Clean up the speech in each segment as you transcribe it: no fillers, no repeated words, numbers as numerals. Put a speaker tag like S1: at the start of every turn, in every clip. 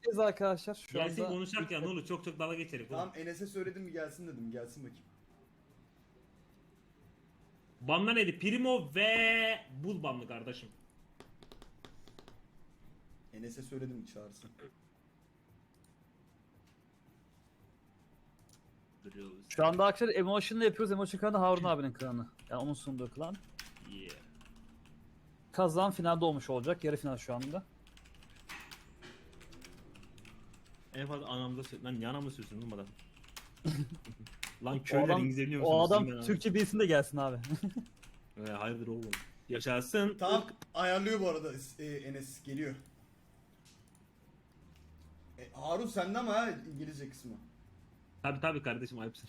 S1: Enes'teyiz arkadaşlar. Şu
S2: Gelsin
S1: anda
S2: konuşak ya ne olur çok dalga geçerik.
S3: Tamam Enes'e söyledim mi gelsin dedim. Gelsin bakayım.
S2: Banla neydi? Primo ve Bul banlı kardeşim.
S3: Enes'e söyledim mi çağırsın.
S2: Duruyoruz.
S1: Şu anda arkadaşlar Emotion'la yapıyoruz. Emotion klanı Harun abinin klanı. Yani onun sunduğu klan.
S2: Yeah.
S1: Kazan finalde olmuş olacak. Yarı final şu anda.
S2: En fazla anamda lan ne anamda sözüm oğlum adam. Lan
S1: O
S2: köyler
S1: adam,
S2: İngilizce biliyor musunuz?
S1: o adam
S2: Sizin ben
S1: Türkçe bilsin de gelsin abi.
S2: Hayırdır oğlum. Yaşasın.
S3: Tamam ayarlıyor bu arada Enes geliyor. Harun sende ama ha İngilizce kısmı.
S2: Tabi kardeşim ayıpsın.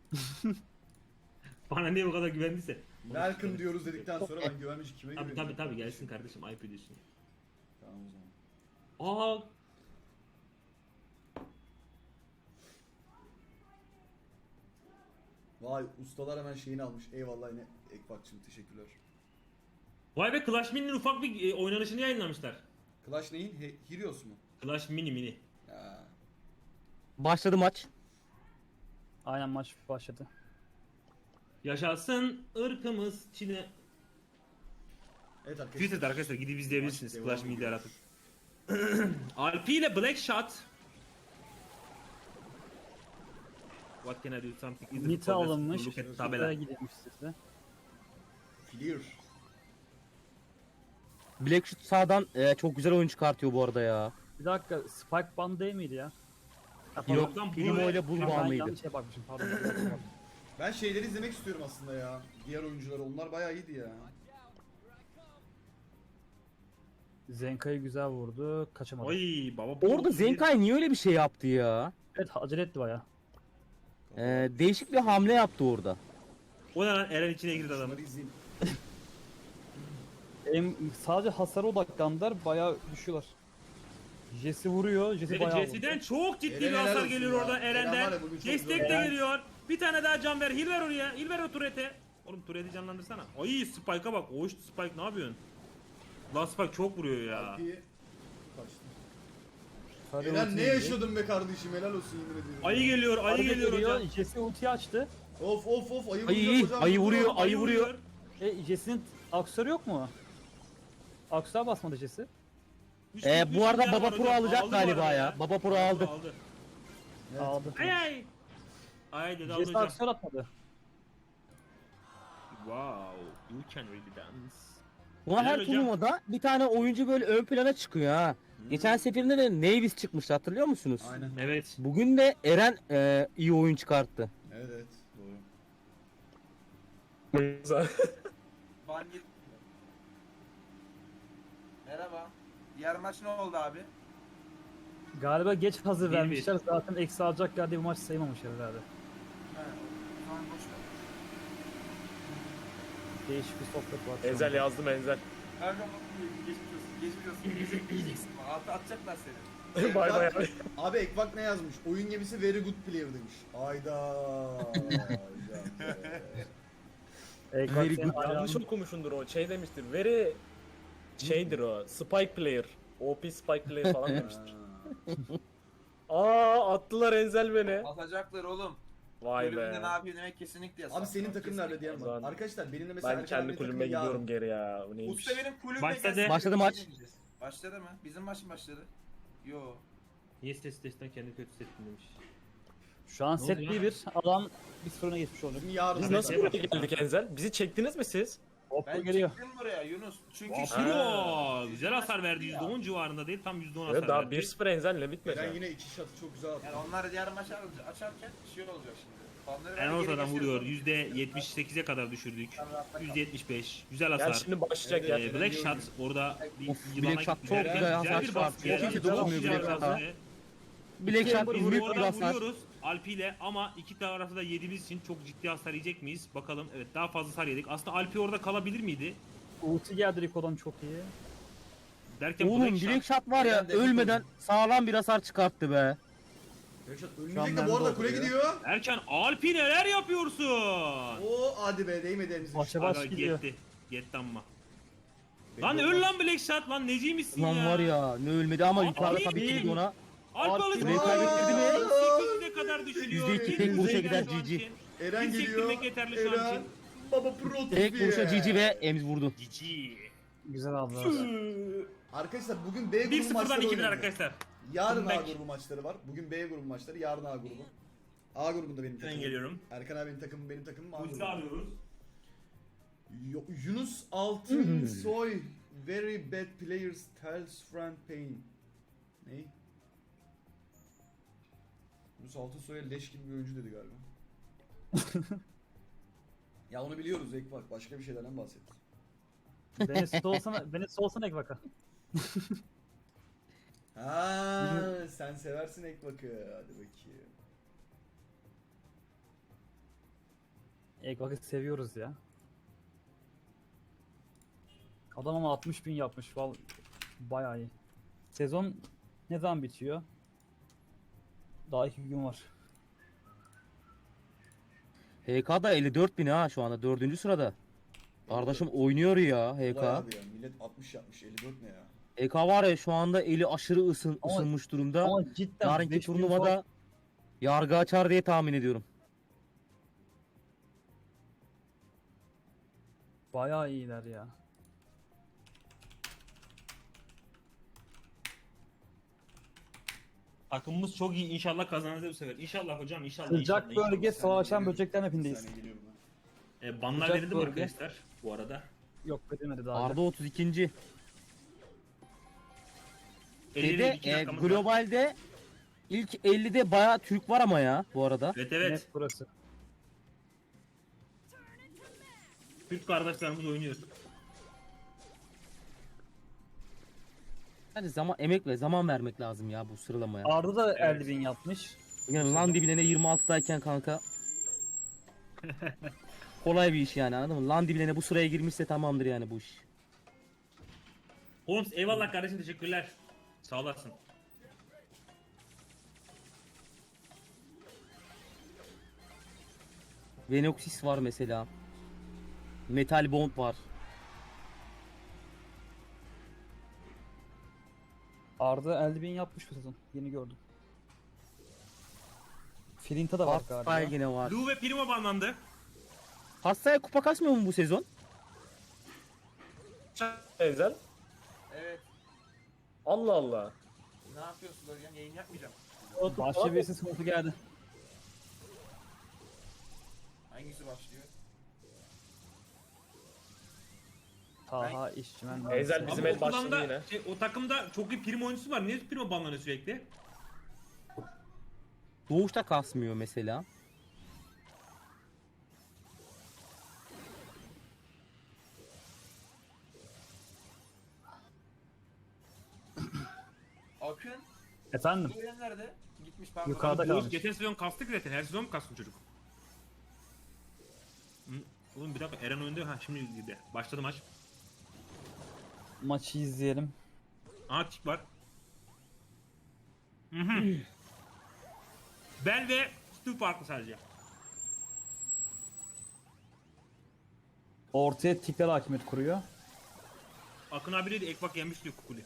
S2: Bana niye bu kadar güvendiyse.
S3: Welcome diyoruz dedikten sonra ben güvenmiş kime
S2: Tabi
S3: güveniyorum?
S2: tabi gelsin kardeşim ayıp ediyorsun.
S3: Tamam o zaman.
S2: Aa
S3: Vay ustalar hemen şeyini almış. Eyvallah yine Ekbakçım teşekkürler.
S2: vay be Clash Mini'nin ufak bir oynanışını yayınlamışlar.
S3: Clash neyin? Heroes mu?
S2: Clash Mini.
S3: Ya.
S4: Başladı maç.
S1: Aynen maç başladı.
S2: Yaşasın ırkımız Çin'e.
S3: Evet arkadaşlar.
S2: Twitter'da arkadaşlar gidip izleyebilirsiniz
S3: Maç
S2: Clash
S3: devam
S2: Mini'de
S3: ediyor.
S2: aratıp. Alpi ile Black Shot. What can I do something? Is it
S1: Nita
S2: progress?
S1: alınmış.
S2: Look at
S1: Nita'ya
S2: tabela.
S1: gidilmiş sizde.
S3: Clear.
S4: Blackshoot sağdan çok güzel oyun çıkartıyor bu arada ya.
S1: Bir dakika Spike Band değil miydi ya?
S4: Yok,
S2: Lan bu
S4: Primo
S2: ne?
S4: ile Bul
S1: Ben
S4: bağımlıydı.
S1: yanlış şeye bakmışım pardon.
S3: Ben şeyleri izlemek istiyorum aslında ya. Diğer oyuncuları onlar bayağı iyiydi ya.
S1: Zenka'yı güzel vurdu. Kaçamadı.
S2: Oy baba.
S4: Orada Zenkai niye öyle bir şey yaptı ya?
S1: Evet acele etti baya.
S4: Değişik bir hamle yaptı orada.
S2: O ne lan Eren içine girdi adamın.
S3: Bunları izleyin.
S1: Sadece hasara odaklandılar bayağı düşüyorlar. Jesse vuruyor. Jesse
S2: Peki
S1: bayağı
S2: Jesse'den
S1: vurdu.
S2: çok ciddi
S3: Eren
S2: bir
S3: helal
S2: hasar
S3: olsun
S2: geliyor
S3: ya.
S2: orada
S3: Eren var
S2: Eren'den.
S3: ya, bugün çok
S2: Destek
S3: zor.
S2: de
S1: Eren-
S2: geliyor. Bir tane daha can ver. Heal ver oraya. Heal ver o turret'e. Oğlum turret'i canlandırsana. Ay Spike'a bak. Oğuş Spike ne yapıyorsun? Lan Spike çok vuruyor ya.
S3: Alpi'yi kaçtı.
S1: Sarı
S3: Eren
S1: ulti
S3: ne
S1: yedi.
S3: yaşadın be kardeşim helal olsun yemin ediyorum.
S2: Ayı geliyor. Ayı
S1: Arada
S2: geliyor
S1: geliyor,
S2: hocam.
S1: Jesse ultiyi açtı.
S3: Of ayı
S4: Ayı,
S3: vuracak hocam.
S4: ayı vuruyor. Ayı vuruyor.
S1: Jesse'nin aksörü yok mu? Aksöre basmadı Jesse.
S2: Üç-
S4: Bu
S2: üç
S4: arada
S2: milyar
S4: Baba
S2: var
S4: Pro
S2: hocam.
S4: alacak
S2: Aldı bu
S4: galiba
S2: arada
S4: ya. Baba Pro aldı.
S3: Evet.
S1: Aldı.
S2: Ay ay. Ay dedi aldı
S1: Jesse
S2: hocam.
S1: aksör atmadı.
S2: Wow. You can really dance.
S4: Ulan her
S2: Helal hocam.
S4: turnuvada bir tane oyuncu böyle ön plana çıkıyor ha. Geçen seferinde de Navis çıkmıştı hatırlıyor musunuz?
S3: Aynen.
S2: Evet.
S4: Bugün de Eren iyi oyun çıkarttı.
S3: Evet doğru.
S5: Ban git. Merhaba. Diğer maç ne oldu abi?
S1: Galiba geç hazır
S2: 1-1.
S1: vermişler. Zaten eksi alacaklar diye bu maç sayılmamış herhalde.
S5: He. Tamam boş ver.
S1: Değişik bir sohbet var. şu
S6: Enzel
S1: anda.
S6: yazdım Enzel.
S5: Kanka geçmiş olsun. Geçmiş olsun. Yiyeceksin bana. Atacaklar seni.
S6: Bay bay abi.
S3: Abi Ekbak ne yazmış? Oyun gemisi very good player demiş. Ayda.
S1: Bak
S4: Very
S1: senin
S4: good.
S6: Yanlış
S1: ayağın-
S6: okumuşundur o. Şey demiştir. Very şeydir o. Spike player. OP spike player falan demiştir. Aa attılar Enzel beni.
S5: Atacaklar oğlum.
S6: Vay
S5: Bölümünde ne
S6: be.
S5: yapıyor demek kesinlikle yasak.
S3: Abi senin takım nerede diyen var.
S6: Ulan.
S3: Arkadaşlar benim de mesela
S6: Ben
S3: Erkan
S6: kendi
S3: abinin
S6: kulübüme
S3: takımı
S6: gidiyorum
S3: yarın.
S6: geri ya. Bu neymiş?
S5: Usta benim kulübüme
S2: Başladı.
S5: gelsin.
S4: Başladı maç.
S5: Başladı mı? Bizim maç mı başladı? Yo.
S2: Niye sesten kendi kötü settin demiş.
S1: Şu an
S2: Ne
S1: set
S2: oldu ya?
S1: 1-1. Adam bir sıfırına geçmiş oluyor.
S3: Bizim yarın.
S6: Biz
S2: Abi,
S6: nasıl
S2: şey
S6: buraya geldik Enzel? Bizi çektiniz mi siz?
S1: Hoppa
S5: Ben
S1: geliyor.
S5: çıktım buraya Yunus. Çünkü
S2: Piro güzel hasar verdi. %10 civarında değil tam %10 hasar
S6: Evet daha
S2: verdi.
S6: 1-0 Enzel'le bitmedi.
S3: Eren yine iki şatı çok güzel attı.
S5: yani onlar diğer maçı açarken şey olacak şimdi. Fanları
S2: En
S5: ben geri
S2: ortadan
S5: geçiyorum.
S2: vuruyor. %78'e kadar düşürdük. %75. Güzel
S6: Gel
S2: hasar.
S6: şimdi başlayacak ya.
S2: Black Shot orada bir
S4: Of,
S2: yılana
S4: Black Shot
S2: gitti.
S4: çok güzel hasar
S2: bir
S4: çıkarttı.
S2: baskı geldi.
S4: Çok iyi
S2: Çok
S4: dokunmuyor
S2: güzel
S4: Black
S2: hasar.
S4: Shot'a. Black Shot
S2: Oradan
S4: büyük bir hasar.
S2: vuruyoruz Alpi ile ama iki tarafı da yediğimiz için çok ciddi hasar yiyecek miyiz? Bakalım. Evet daha fazla hasar yedik. Aslında Alpi orada kalabilir miydi?
S1: Ulti geldi Rico'dan çok iyi.
S2: Derken
S4: Oğlum
S2: Black Shot.
S4: Black Shot var ya
S3: Eren de
S4: ölmeden sağlam bir hasar çıkarttı be.
S3: Reşat
S1: Şu an
S3: ölmeyecek de
S1: bende
S3: bu arada
S1: oldu
S3: kule
S1: ya.
S3: gidiyor.
S2: Erken Alpi neler yapıyorsun?
S3: Oo hadi be değmedi elimize.
S1: Başa baş
S2: Aga,
S1: gidiyor.
S2: Yetti ama. Lan öl lan Black Shot lan neciymişsin
S4: Lan
S2: ya?
S4: var ya ne ölmedi ama
S2: Abi,
S4: yukarıda
S2: iyi
S4: tabii
S2: değil.
S4: ki ona.
S2: Alpalı
S4: Burayı kaybettirdi mi?
S2: 8'e kadar düşürüyor.
S4: %2 tek vuruşa gider
S2: şu an
S4: GG.
S2: için.
S3: Eren
S2: Bir
S3: geliyor.
S2: sektirmek yeterli şu an
S3: Eren.
S2: için.
S3: Baba pro
S4: Tek
S3: tipi.
S4: vuruşa GG ve Emz vurdu.
S2: GG.
S1: Güzel aldılar.
S3: Arkadaşlar bugün B grubu
S2: 1-0'dan
S3: maçları
S2: 2-1
S3: oynanıyor.
S2: arkadaşlar.
S3: Yarın A
S2: Comeback.
S3: grubu maçları var. Bugün B grubu maçları, yarın A grubu. A grubunda benim
S2: Ben
S3: takımım.
S2: geliyorum.
S3: Erkan abinin takımı, benim takımım A
S2: Ulti
S3: grubu.
S2: arıyoruz.
S3: Yunus Altın Soy very bad players tells friend pain. Ne? Yunus Altın Soy'a leş gibi bir oyuncu dedi galiba. Ya onu biliyoruz ek bak, başka bir şeylerden bahset.
S1: Beni soğusana Ekvaka.
S3: Ha, sen seversin Ekbak'ı. Hadi bakayım.
S1: Ekvak'ı seviyoruz ya. Adam ama 60.000 yapmış. Bayağı iyi. Sezon ne zaman bitiyor? Daha 2 gün var.
S4: HK'da 54.000 ha şu anda 4. sırada. Kardeşim oynuyor ya
S3: Olay
S4: HK.
S3: abi ya. Millet 60 yapmış. 54 ne ya?
S4: HK var ya şu anda eli aşırı
S1: Ama-
S4: ısınmış durumda.
S1: Ama cidden
S4: Yarınki
S1: 5.000
S4: turnuvada yargı açar diye tahmin ediyorum.
S1: bayağı iyiler ya.
S2: Takımımız çok iyi. İnşallah kazanırız bu sefer. İnşallah hocam. İnşallah.
S1: Sıcak
S2: inşallah,
S1: bölge
S2: inşallah.
S1: savaşan böcekler
S3: Bir
S1: mapindeyiz.
S3: saniye geliyorum ben.
S2: Banlar
S1: Sıcak
S2: verildi mi
S1: bölge.
S2: arkadaşlar bu arada?
S1: Yok verilmedi daha.
S4: Arda 32.
S2: 50
S4: Şeyde,
S2: 2 dakikamız var.
S4: globalde ilk 50'de bayağı Türk var ama ya bu arada.
S2: Evet
S1: Evet.
S2: evet.
S1: Burası.
S2: Türk kardeşlerimiz oynuyor.
S4: Hadi zaman emek ve zaman vermek lazım ya bu sıralamaya.
S1: Arda da
S2: Evet.
S1: 50.000 yapmış.
S4: Yani lan dibine 26'dayken kanka. Kolay bir iş yani anladın mı? Lan dibine bu sıraya girmişse tamamdır yani bu iş.
S2: Holmes eyvallah kardeşim, teşekkürler. Sağ olasın.
S4: Venoxis var mesela. Metal Bond var.
S1: Arda 50.000 yapmış bu sezon. Yeni gördüm. Filinta da var galiba.
S4: Hastay yine var.
S2: Lu ve Primo banlandı.
S4: Hastaya kupa kasmıyor mu bu sezon?
S6: Ezel.
S5: Evet.
S6: Allah Allah.
S5: Ne yapıyorsun hocam? Yayın yapmayacağım.
S1: Başka birisi sıkıntı geldi.
S5: Hangisi başlıyor?
S1: Taha işçimen.
S6: Ezel bizim
S2: Ama
S6: el
S2: o
S6: başladı
S2: klanda,
S6: yine.
S2: o takımda çok iyi Primo oyuncusu var. Niye Primo banlanıyor sürekli?
S4: Doğuşta kasmıyor mesela.
S5: Akın.
S1: Efendim?
S5: Bu yer nerede? Gitmiş ben
S1: Yukarıda
S2: Doğuş
S1: kalmış.
S2: geçen sezon kastık zaten. Her sezon mu kastın çocuk? Hı, oğlum bir dakika, Eren oyunda. Ha şimdi girdi. Başladı maç.
S1: Maçı izleyelim.
S2: Aha tik var. Hı hı. Bel ve Stu farklı sadece.
S1: Ortaya tikler hakimiyet kuruyor.
S2: Akın abiyle de Ekbak yenmiş diyor Kukuli.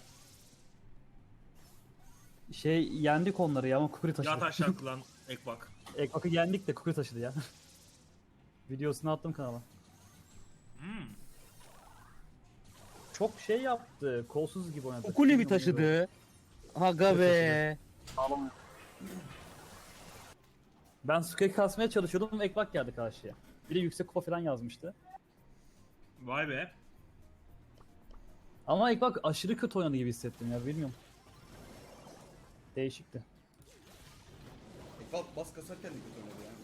S1: Yendik onları ya ama Kukuri taşıdı.
S2: Yat aşağı kılan Ekbak.
S1: Ekbak'ı yendik de Kukuri taşıdı ya. Videosunu attım kanala.
S2: Hmm.
S1: Çok yaptı. Kolsuz gibi oynadı.
S4: Kukuli mi taşıdı? Aga be.
S1: Ben Suka'yı kasmaya çalışıyordum. Ekbak geldi karşıya. Biri yüksek kupa falan yazmıştı.
S2: Vay be.
S1: Ama Ekbak aşırı kötü oynadı gibi hissettim ya, bilmiyorum. Değişikti.
S3: Ekbak bas kasarken de kötü oynadı yani.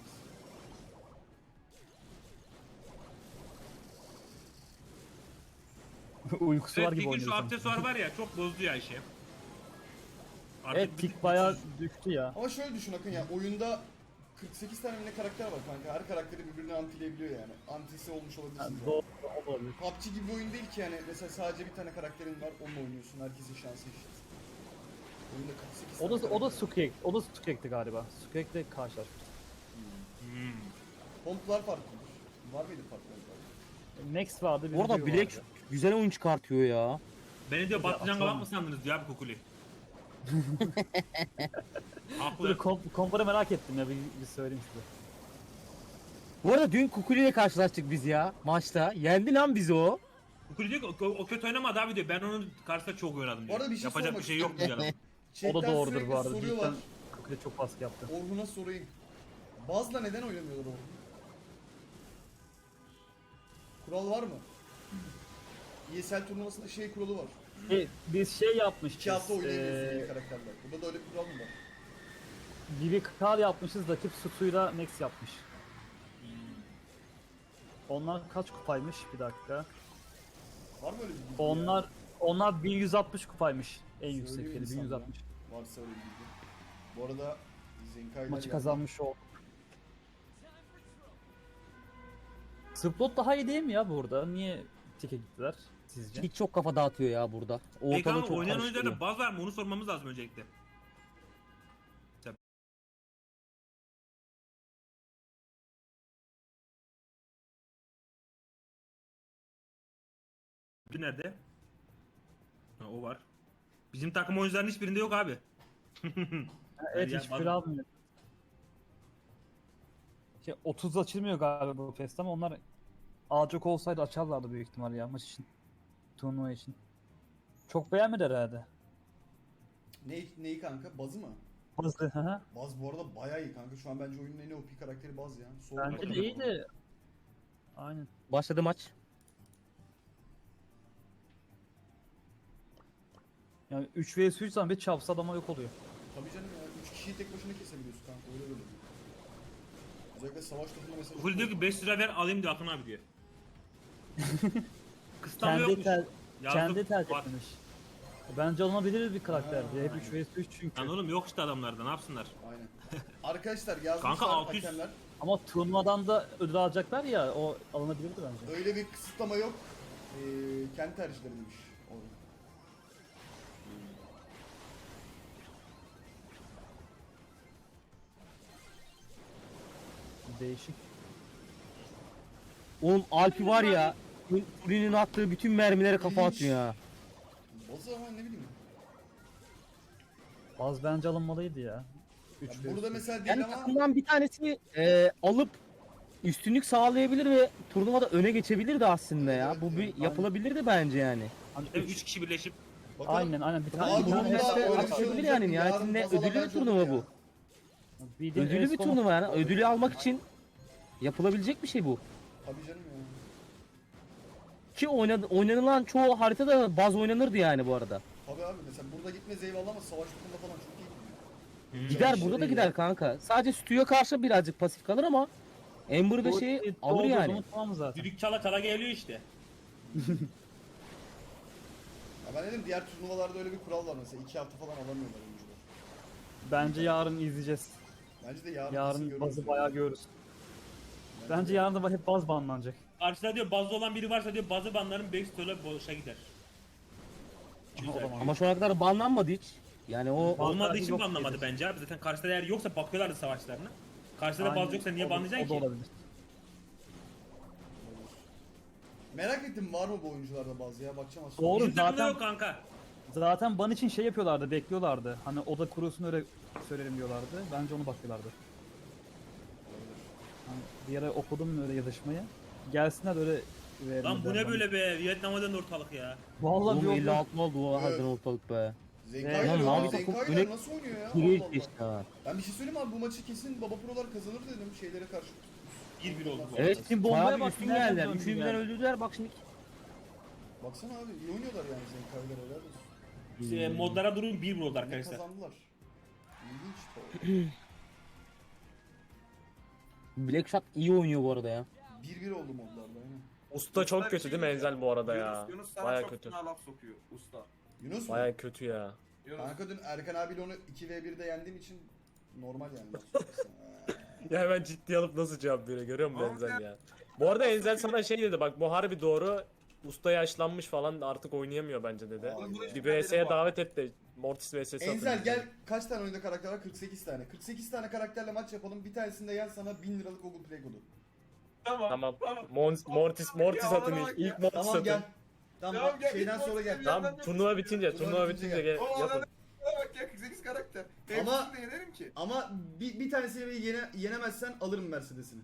S1: Uykusu var
S2: Evet,
S1: gibi
S2: Tik'in şu
S1: oynuyor.
S2: aksesuar var ya, çok bozdu ya işi. Artık
S1: Evet,
S2: bir
S1: Tik
S2: tık
S1: bayağı
S2: güçsüz.
S1: düştü ya.
S3: Ama şöyle düşün Akın ya, oyunda 48 tane mi ne karakter var kanka. Her karakteri birbirine antileyebiliyor yani. Antisi olmuş olabilirsin.
S1: Yani
S3: yani.
S1: doğru olabilir.
S3: PUBG gibi bir oyun değil ki yani. Mesela sadece bir tane karakterin var, onunla oynuyorsun. Herkesin şansı eşit. Oyunda 48 tane
S1: O da
S3: karakter.
S1: Sukek. O da Sukek'ti galiba. Sukek'le karşılaşmıştık.
S2: Hmm.
S3: Pomplar farklıdır. Var mıydı farklı?
S1: Next vardı. bir
S4: Orada
S1: video
S4: Black
S1: vardı.
S4: güzel oyun çıkartıyor ya.
S2: Beni diyor Batlıcan
S1: atalım.
S2: Galak mı sandınız diyor abi Kukuli. Haklı.
S1: Komparı merak ettim ya bir söyleyeyim size.
S4: Bu arada dün Kukuli ile karşılaştık biz ya maçta. Yendi lan bizi o.
S2: Kukuli diyor ki o kötü oynamadı abi diyor. Ben onun karşısında çok oynadım
S3: Bu
S2: diyor.
S3: arada bir şey
S2: Yapacak
S3: sormak
S2: bir şey yok
S3: istiyorum.
S2: diyor.
S1: O
S3: Chatten
S1: da doğrudur
S3: sürekli
S1: bu arada.
S3: soruyorlar.
S1: Cidden Kukule çok baskı yaptı.
S3: Orhun'a sorayım. Bazla neden oynamıyorlar Orhun? Kural var mı? ESL turnuvasında şey kuralı var.
S1: Biz şey yapmışız.
S3: 2 hafta oynayamıyorsun yeni karakterler. Burada da öyle bir kural mı var?
S1: BBK yapmışız, rakip Sutu'yla Max yapmış. Onlar kaç kupaymış? Bir dakika.
S3: Var mı öyle bir bilgi
S1: Onlar 1160 kupaymış. En
S3: Söyleyeyim
S1: yüksekleri
S3: mi sana
S1: 1160.
S3: ya? Varsa öyle bir bilgi. Bu arada Zenkai'ler
S1: Maçı
S3: geldi.
S1: kazanmış o. Splot daha iyi değil mi ya burada? Niye teke gittiler sizce?
S4: Hiç çok kafa dağıtıyor ya burada.
S2: Peki
S4: Ortalığı
S2: ama
S4: çok
S2: oynayan
S4: karıştırıyor.
S2: oyuncularda baz var mı? Onu sormamız lazım öncelikle. Bir nerede? Ha, o var. Bizim takım oyuncuların hiçbirinde yok abi.
S1: Evet
S2: Ya,
S1: hiçbir almıyor. 30 açılmıyor galiba bu fest ama onlar çok olsaydı açarlardı büyük ihtimal ya maç için. Turnuva için. Çok beğenmedi herhalde.
S3: Neyi kanka? Bazı mı?
S1: Hızlı hı hı.
S3: Baz bu arada bayağı iyi kanka. Şu an bence oyunun en OP karakteri Baz ya. Soğuk
S1: Bence
S3: bakalım.
S1: de iyi de. Aynen.
S4: Başladı maç.
S1: Yani 3 vs 3 zaman bir çapsa adama yok oluyor.
S3: Tabii canım ya. 3 kişiyi tek başına kesebiliyorsun kanka. Öyle böyle. Özellikle savaş topunda mesela.
S2: Kukuli diyor ki 5 lira ver alayım diyor Akın abi diyor. Kısıtlama
S1: Kendi
S2: yokmuş.
S1: kendi tercih
S2: var.
S1: etmiş. Bence alınabilir bir karakter.
S3: Ha,
S1: Hep 3 vs 3 çünkü.
S2: Lan oğlum yok işte adamlarda ne yapsınlar?
S3: Aynen. Arkadaşlar yazmışlar
S2: Kanka 600.
S3: hakemler.
S1: Ama turnuvadan da ödül alacaklar ya o alınabilirdi bence.
S3: Öyle bir kısıtlama yok. Kendi tercihleri demiş. Orada.
S1: Değişik.
S4: Oğlum Alpi var ya. Kukuli'nin attığı bütün mermilere kafa atıyor ya.
S3: Bazı ama ne bileyim.
S1: Az bence alınmalıydı ya. 3
S3: Ya burada mesela değil
S4: Yani
S3: ama
S4: takımdan bir tanesini alıp üstünlük sağlayabilir ve turnuvada öne geçebilirdi aslında ya. Bu bir yapılabilirdi bence yani.
S1: Hani
S2: Hem 3 kişi birleşip
S3: bakalım.
S1: aynen bir
S3: Abi
S1: tane
S3: bunun
S1: bir
S3: da
S1: tane
S3: öyle bir şey
S4: atabilir
S3: olacak
S4: yani.
S3: mı?
S4: Nihayetinde
S3: Yarın Bazal'a
S4: ödüllü bir
S3: bence
S4: turnuva
S3: olur
S4: bu.
S3: ya.
S1: bildiğin
S4: Ödüllü bir
S1: Esport-
S4: turnuva yani. Ödülü almak için yapılabilecek bir şey bu.
S3: Tabii canım ya.
S4: Ki oynanılan çoğu haritada baz oynanırdı yani bu arada.
S3: Tabii abi mesela burada gitmez eyvallah ama savaş topunda falan çok iyi gidiyor.
S4: Gider
S1: şey
S4: burada da
S1: değil
S4: gider
S1: ya.
S4: kanka. Sadece Stu'ya karşı birazcık pasif kalır ama Ember'da şeyi alır yani.
S1: Tamam zaten.
S2: düdük çala çala geliyor işte.
S3: Ya ben dedim diğer turnuvalarda öyle bir kural var mesela 2 hafta falan alamıyorlar oyuncular.
S1: Bence yarın izleyeceğiz.
S3: Bence de yarın, kesin
S1: Yarın
S3: görürüz
S1: bazı
S3: yani.
S1: bayağı görürüz. Bence yarın da hep baz banlanacak.
S2: Karşıda diyor bazı olan biri varsa diyor bazı banların backstore'la boşa gider.
S1: Aha, o zaman.
S4: Ama şu ana kadar banlanmadı hiç. Yani o
S2: Olmadığı için
S1: yok
S2: banlamadı
S1: gelir.
S2: bence abi. Zaten karşıda eğer yoksa bakıyorlardı savaşlarına. Karşıda da
S1: Aynen,
S2: bazı yoksa niye
S1: o da-
S2: banlayacaksın
S1: O da
S2: ki?
S1: olabilir.
S3: Merak ettim var mı bu oyuncularda bazı ya bakacağım aslında.
S1: Doğru.
S2: Bizim takımda
S1: zaten-
S2: yok kanka.
S1: Zaten ban için şey yapıyorlardı, bekliyorlardı. Hani oda kurulsun öyle söylerim diyorlardı. Bence onu bakıyorlardı. Hani bir ara okudum öyle yazışmayı. Gelsinler öyle verelim.
S2: Lan bu
S1: der
S2: ne
S1: bana.
S2: böyle be? Vietnam'a döndü ortalık ya.
S1: Vallahi
S4: oğlum
S1: bir
S4: 56 oldu o
S3: Evet.
S4: harbiden ortalık be.
S3: Zenkai'ler
S1: Lan
S3: ya,
S4: Mavi takım
S3: Zenkai'ler
S4: öne-
S3: nasıl oynuyor ya?
S4: Geriye
S3: Allah Allah.
S4: geçti ha.
S3: Ben bir şey söyleyeyim abi bu maçı kesin Baba Pro'lar kazanır dedim şeylere karşı.
S2: 1-1 oldu bu.
S4: Evet
S1: Şimdi bombaya
S4: bayağı bir
S1: bak,
S4: üstün
S1: nereden
S4: geldiler.
S1: döndü
S4: Üçünü birden
S1: yani?
S4: öldürdüler bak şimdi.
S3: Baksana abi iyi oynuyorlar yani Zenkai'ler helal olsun.
S2: Modlara durun 1-1 oldu
S3: Ne
S2: arkadaşlar.
S3: kazandılar. İlginç.
S4: Blackshot iyi oynuyor bu arada ya.
S3: 1-1 oldu modlarda aynen.
S6: Usta çok
S5: bir
S6: kötü
S5: şey
S6: değil mi
S5: diyeceğim.
S6: Enzel bu arada ya?
S5: Yunus sana
S6: Baya
S5: çok
S6: kötü.
S5: fena laf sokuyor usta.
S3: Yunus mu?
S6: Baya kötü ya.
S5: Yunus.
S3: Kanka dün Erkan abiyle onu 2v1'de yendiğim için normal yani.
S6: Ya ben ciddi alıp nasıl cevap veriyor görüyor musun
S5: Oğlum
S6: Enzel
S5: ya.
S6: ya? Bu arada Enzel sana şey dedi bak bu harbi doğru. Usta yaşlanmış falan artık oynayamıyor bence dedi.
S3: Oğlum bunu
S6: Bir VS'ye davet et de Mortis VS'si atalım.
S3: Enzel gel kaç tane oyunda karakter var? 48 tane. 48 tane karakterle maç yapalım. Bir tanesinde gel sana 1000 liralık Google Play kodu.
S6: Tamam. Mortis
S5: Ya
S6: atın
S5: bana bak
S6: ilk.
S5: ya.
S6: İlk Mortis
S3: Tamam
S6: atın.
S3: gel. Tamam,
S5: Tamam, gel,
S3: şeyden
S5: git
S3: sonra gel.
S5: Mortis'in
S6: Tamam turnuva bitince
S3: Turnuva bitince
S6: gel.
S3: gel.
S5: Oğlum
S6: Yapın.
S5: adamı bak ya 48 karakter.
S3: Ama-
S5: Hepsini de yenerim ki.
S3: Ama bir tanesiyle yenemezsen alırım Mercedes'ini.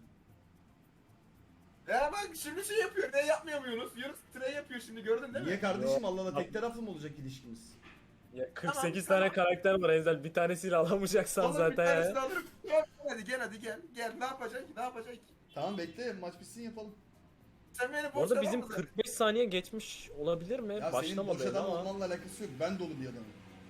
S5: Ya bak şimdi şey yapıyor. Ne yapmıyor mu Yunus? Yunus tray yapıyor şimdi gördün değil mi?
S3: Niye kardeşim, Allah Allah, tek taraflı mı olacak ilişkimiz?
S6: Ya 48
S5: Tamam,
S6: tane karakter var Enzel. Bir tanesiyle alamayacaksan
S5: Oğlum bir
S6: zaten
S5: tanesini
S6: ya.
S5: alırım. Gel hadi gel hadi gel. Gel ne yapacak ki? Ne yapacak ki?
S3: Tamam bekle, maç bitsin yapalım.
S5: Sen beni
S6: Bu arada
S5: boşta
S6: bizim
S5: bakma
S6: 45 saniye geçmiş olabilir mi?
S3: Ya senin boş
S6: Başlamadı
S3: adam
S6: ama.
S3: olmanla alakası yok. Ben dolu bir adamım.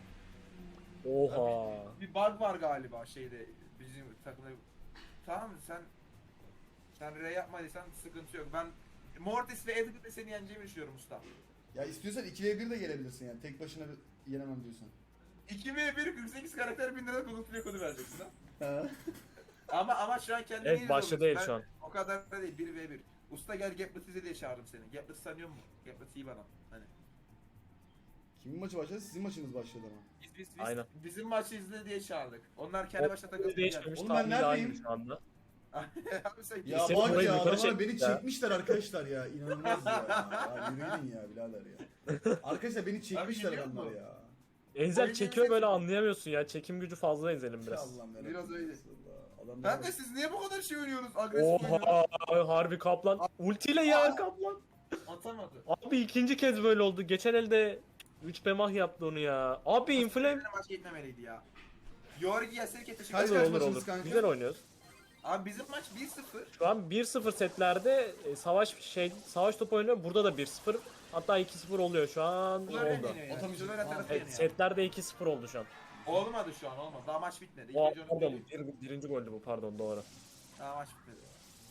S6: Oha.
S5: Bir bug var galiba şeyde bizim takımda. Tamam mı sen Ray yapmadıysan sıkıntı yok. Ben Mortis ve Edgar'la seni yeneceğimi düşünüyorum usta.
S3: Ya istiyorsan 2v1 de gelebilirsin yani. Tek başına yenemem diyorsan.
S5: 2v1 48 karakter 1000 lira bulutluya kodu vereceksin ha.
S3: Ha.
S5: Ama şu an kendini
S6: Evet, başta değil şu an.
S5: O kadar da değil 1v1. Usta gel Gaplet izle diye çağırdım seni. Gaplet sanıyor musun? Gaplet iyi bir adam. Hani.
S3: Kimin maçı başladı? Sizin maçınız başladı ama.
S5: Biz
S6: Aynen.
S5: bizim maçı izle diye çağırdık. Onlar kendi başına takıldı.
S6: Değişmemiş.
S3: Oğlum ben
S6: Tahmini aynı
S3: neredeyim?
S6: şu anda.
S5: Abi sen
S3: Ya
S6: Senin
S3: bak
S6: orayı
S3: ya,
S6: yukarı
S3: adamlar beni
S6: çekmişler.
S3: çekmişler arkadaşlar ya. İnanılmaz ya. Ya yürüyün ya birader ya. Arkadaşlar beni çekmişler
S5: biliyor
S3: adamlar
S5: musun?
S3: ya.
S6: Enzel
S5: Oyun
S6: çekiyor
S5: yemesek
S6: böyle
S5: mi?
S6: anlayamıyorsun ya. Çekim gücü fazla Enzel'in biraz.
S3: Allah'ım yarabbim.
S5: Biraz öyle.
S3: Allah, adamlar
S5: Ben de
S3: bak.
S5: siz niye bu kadar şey oynuyorsunuz? Agresif oynuyorsunuz.
S6: Oha harbi kaplan. Ultiyle ya kaplan.
S5: Atamadı.
S6: Abi ikinci kez böyle oldu. Geçen elde 3 bemah yaptı onu ya. Abi inflame.
S5: Benim maç gitmemeliydi ya. Yorgi Yaserke teşekkür
S3: Kaç
S5: ederim.
S3: kaç
S6: Olur
S3: maçınız
S6: olur.
S3: kanka?
S6: Güzel oynuyoruz.
S5: Abi bizim maç 1-0.
S6: Şu an 1-0 setlerde savaş topu oynuyor. Burada da 1-0. Hatta 2-0 oluyor şu an.
S5: Florian
S6: Oldu.
S5: yeniyor yani.
S3: Atamayacak.
S5: Florian tarafı
S6: Evet,
S5: yeniyor.
S6: setlerde 2-0 oldu şu an.
S5: Olmadı şu an olmadı. Daha maç bitmedi.
S6: O,
S5: İkinci
S6: pardon,
S5: önüm geliyor.
S6: birinci goldü bu pardon doğru.
S5: Daha maç bitmedi.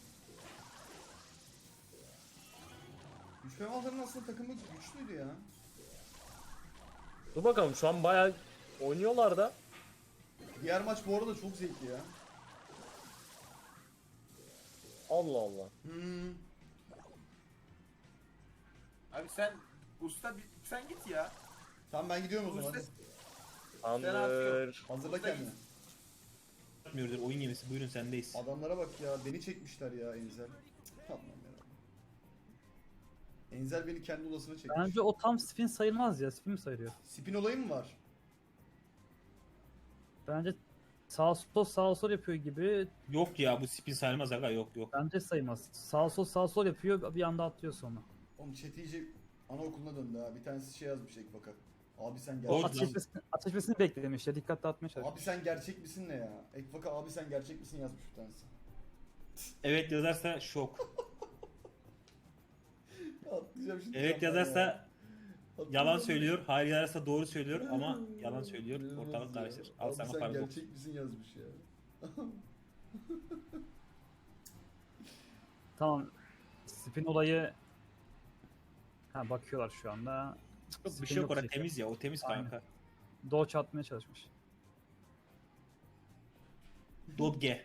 S3: Güçlü Malların aslında takımı güçlüydü ya.
S6: Dur bakalım şu an bayağı oynuyorlar da.
S3: Diğer maç bu arada çok zevkli ya.
S6: Allah Allah.
S3: Hmm.
S5: Abi sen usta sen git ya.
S3: Tamam ben gidiyorum o zaman.
S5: Usta
S3: hadi.
S6: Andır.
S3: Hazırla
S5: Usta
S3: kendini.
S2: Yapmıyordur oyun gemisi. Buyurun sendeyiz.
S3: Adamlara bak ya, beni çekmişler ya Enzel. Tamam ya. Enzel beni kendi odasına çekmiş.
S1: Bence o tam spin sayılmaz ya. Spin mi sayılıyor?
S3: Spin olayı mı var?
S1: Bence sağ sol yapıyor gibi.
S2: Yok ya bu spin sayılmaz aga yok.
S1: Bence sayılmaz. Sağ sol yapıyor bir anda atlıyor sonra.
S3: Oğlum chat iyice anaokuluna döndü ha. Bir tanesi şey yazmış Ekbak'a. Abi sen
S2: Doğru.
S3: gerçek
S1: Ateşmesini beklemiş ya. Dikkat dağıtmaya çalışıyor.
S3: Abi sen gerçek misin ne ya? Ekbak'a abi sen gerçek misin yazmış bir tanesi.
S2: Evet yazarsa şok.
S3: Atlayacağım şimdi.
S2: Evet
S3: camdan
S2: yazarsa
S3: ya.
S2: yalan
S3: Atlayacağım.
S2: söylüyor. Hayır yazarsa doğru söylüyor ama yalan söylüyor.
S3: İnanılmaz
S2: Ortalık
S3: ya.
S2: karışır. Al
S3: Abi
S2: sana
S3: sen
S2: paradoks.
S3: gerçek misin yazmış ya.
S1: Tamam. Spin olayı bakıyorlar şu anda.
S2: Yok, bir
S1: Spin
S2: şey yok orada
S1: diyecek.
S2: temiz ya o temiz
S1: Aynen.
S2: kanka.
S1: Dodge atmaya çalışmış.
S2: Dodge.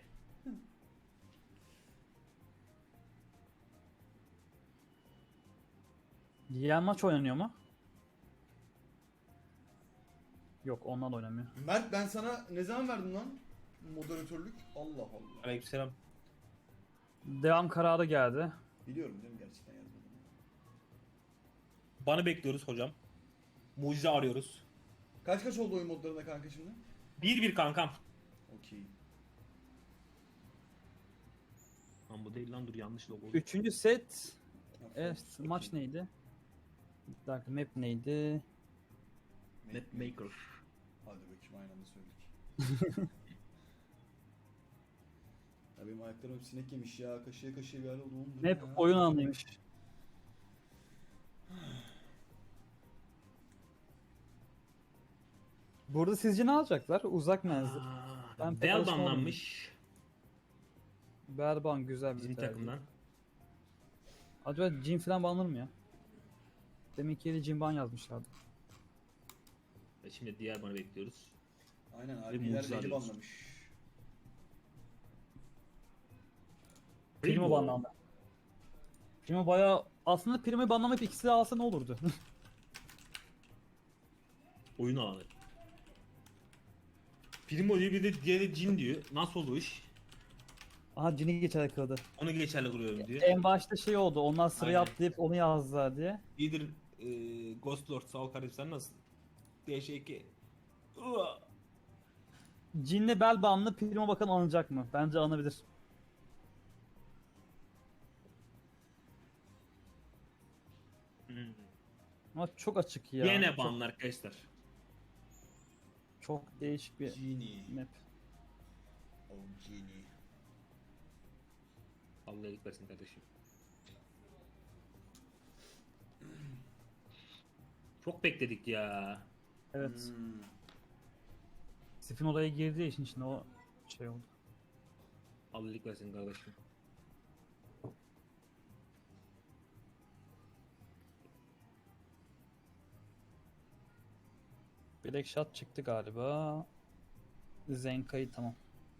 S1: Diğer maç oynanıyor mu? Yok ondan oynamıyor.
S3: Mert ben sana ne zaman verdim lan? Moderatörlük. Allah Allah.
S2: Aleykümselam.
S1: Devam kararı geldi.
S3: Biliyorum değil mi, gerçekten yazmadım.
S2: Banı bekliyoruz hocam. Mucize arıyoruz.
S3: Kaç kaç oldu oyun modlarında kanka şimdi?
S2: 1-1 kankam.
S3: Okey.
S2: Lan bu değil lan dur yanlış logo.
S1: Üçüncü set. Evet maç neydi? Bir dakika map neydi?
S2: Map maker.
S3: Hadi bakayım aynı anda söyledik. Ya benim ayaklarım hep sinek yemiş ya. Kaşıya kaşıya bir hal oldu. Oğlum bu ne
S1: Map
S3: ya?
S1: oyun alanıymış. Burada sizce ne alacaklar? Uzak menzil. Ben pek
S2: Bell
S1: alışkın
S2: banlanmış
S1: Berban güzel bir
S2: bizim
S1: tercih.
S2: takımdan.
S1: Acaba Jin falan banlanır mı ya? Deminki yeri Jin ban yazmışlardı.
S2: Ve şimdi diğer banı bekliyoruz.
S3: Aynen
S2: mucize
S3: abiler beni
S2: arıyoruz.
S3: banlamış.
S1: Primo banlandı. Primo bayağı... Aslında Primo'yu banlamayıp ikisi de alsa ne olurdu?
S2: Oyun alanı. Primo diyor bir de diğeri Jin diyor. Nasıl oldu o iş?
S1: Aha Jin'i geçerli kıldı.
S2: Onu geçerli kılıyorum diyor.
S1: En başta şey oldu, onlar sıraya
S2: Aynen.
S1: atlayıp onu yazdılar diye.
S2: İyidir Ghost Lord sağ ol kardeşim sen nasılsın? DŞ2.
S1: Cinli Belbanlı Primo bakan alınacak mı? Bence alınabilir.
S2: Hmm.
S1: Ama çok açık ya.
S2: Yine
S1: Çok,
S2: banlı arkadaşlar.
S1: çok değişik bir
S3: Genie.
S1: map.
S3: Oh Genie.
S2: Allah iyilik versin kardeşim. Çok bekledik ya.
S1: Evet.
S3: Hmm.
S1: Spin odaya girdiği için şimdi o şey oldu.
S2: Allah iyilik versin kardeşim.
S1: Black Shot çıktı galiba. Zenkai'yi tamam.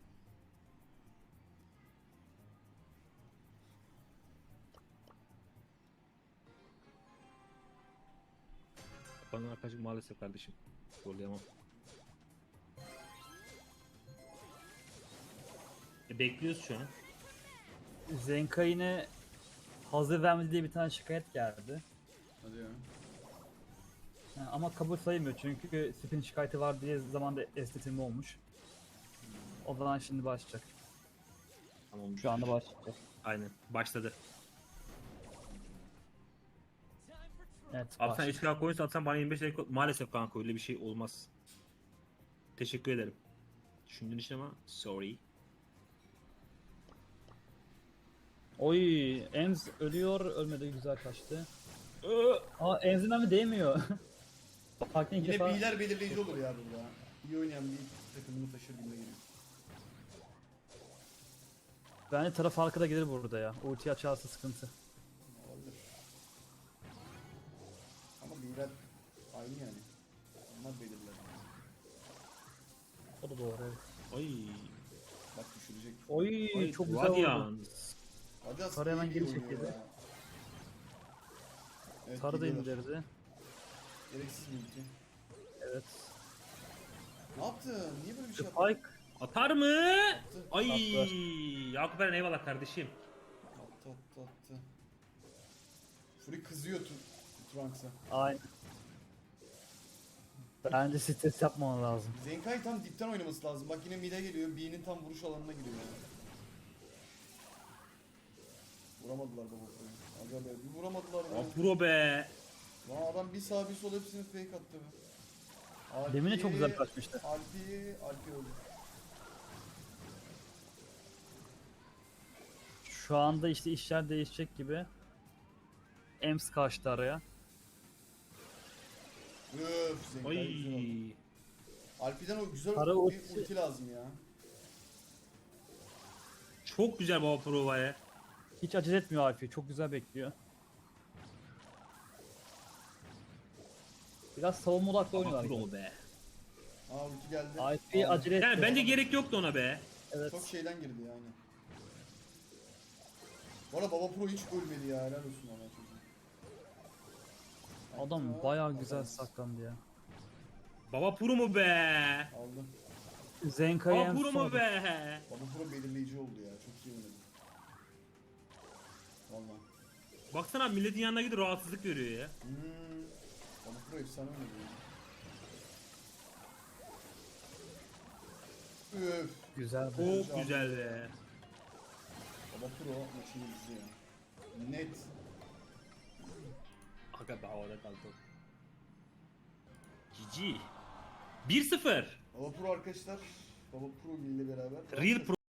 S2: Bana arkadaşım maalesef kardeşim. Zorlayamam. Bekliyoruz şu an.
S1: Zenkai'ne hazır vermedi diye bir tane şikayet geldi.
S3: Hadi ya.
S1: Yani ama kabul sayılmıyor çünkü spin şikayeti var diye zamanda estetilme olmuş. O zaman şimdi başlayacak.
S2: Tamam.
S1: Şu anda başlayacak.
S2: Aynen. Başladı.
S1: Evet.
S2: Abi sen
S1: başladı.
S2: 3K coin satsan bana 25 lira maalesef kanka öyle bir şey olmaz. Teşekkür ederim. Düşündüğün için ama sorry.
S1: Oy, Ems ölüyor, ölmedi, güzel kaçtı. Aa, Ems'in mi değmiyor. Farklı ilk
S3: Yine
S1: defa
S3: B'ler belirleyici olur ya burada. İyi oynayan bir takımını taşır gibi geliyor.
S1: bence taraf farkı da gelir burada ya. Ulti açarsa sıkıntı.
S3: Olabilir. Ama B'ler aynı yani. Onlar belirler.
S1: O da doğru evet.
S2: Ay.
S3: Bak düşürecek.
S1: Oy,
S2: Ay,
S1: çok güzel oldu.
S2: Radiant.
S3: Hadi
S1: Sarı hemen
S3: iyi
S1: geri
S3: oynuyor
S1: çekildi.
S3: ya. Evet,
S1: Sarı da
S3: geliyorlar.
S1: indirdi.
S3: Gereksiz bir ulti.
S1: Evet.
S3: Ne yaptın? Niye böyle bir şey yaptın?
S1: Spike.
S2: Atar mı?
S3: Attı.
S2: Ay.
S1: Atlar.
S2: Yakup Eren eyvallah kardeşim.
S3: Attı. Fury kızıyor Trunks'a.
S1: Aynen. Bence stres yapmaman lazım.
S3: Zenkai tam dipten oynaması lazım. Bak yine mid'e geliyor. B'nin tam vuruş alanına giriyor yani. Vuramadılar baba Fury'yi. Aga be bir vuramadılar be.
S2: Afro be.
S3: Lan adam bir sağ bir sol hepsini fake attı be. Alpi,
S1: Demin de çok güzel kaçmıştı.
S3: Alpi öldü.
S1: Şu anda işte işler değişecek gibi. Ems kaçtı araya.
S3: Öf Zenkai güzel oldu.
S2: Ay.
S3: Alpi'den o güzel
S1: Para
S3: bir
S1: ultisi-
S3: ulti lazım ya.
S2: Çok güzel baba provaya.
S1: Hiç acele etmiyor Alfie. Çok güzel bekliyor. Biraz savunma odaklı
S2: Baba
S1: oynuyorlar.
S2: pro be.
S3: Aa ulti geldi.
S1: Alfie
S3: Aldı.
S1: acele etmiyor.
S2: Yani bence gerek yoktu ona be.
S1: Evet.
S3: Çok şeyden girdi yani. Bu arada Baba Pro hiç ölmedi ya helal olsun ona çocuğum.
S1: Adam
S3: Hatta
S1: bayağı güzel
S3: adamız.
S1: saklandı ya.
S2: Baba pro mu be?
S3: Aldım.
S1: Zenkai'ye
S2: Baba
S1: en
S2: pro mu
S1: son.
S2: be?
S3: Baba Pro belirleyici oldu ya çok iyi oynadı. Valla.
S2: Baksana abi, milletin yanına gidip rahatsızlık veriyor ya.
S3: Baba Pro efsane oynadı ya. Öf.
S1: Güzel.
S2: Çok güzel be.
S3: Baba Pro maçın yıldızı ya. Net.
S2: Aga be havada kaldı. GG. 1-0.
S3: Baba Pro arkadaşlar. Baba Pro ile beraber.
S2: Real Pro.